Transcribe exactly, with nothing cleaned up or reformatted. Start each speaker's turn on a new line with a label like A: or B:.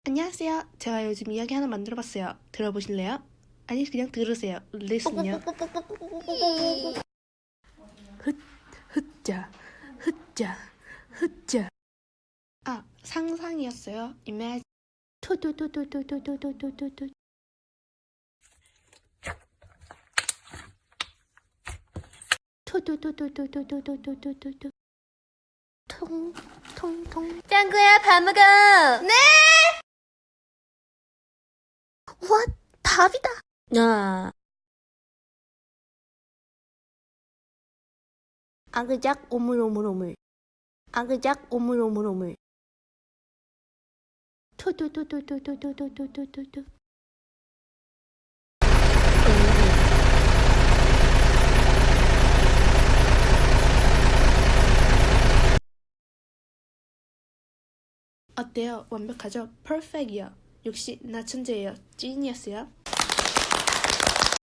A: 안녕하세요. 제가 요즘 이야기 하나 만들어봤어요. 들어보실래요? 아니 그냥 들으세요. 리슨요. 흩, 흩자, 흩자, 흩자. 아, 상상이었어요. Imagine. 토토토토토토토토토토. 토토토토토토토토토토. 통, 통, 통.
B: 짱구야, 밥 먹어. 네.
A: 와, 밥이다.
B: 야.
A: 아그작 오물오물오물. 아그작 오물오물오물. 토토토토토토토토토토토. 어때요? 완벽하죠? 퍼펙이요. 역시 나 천재예요. 지니어스요.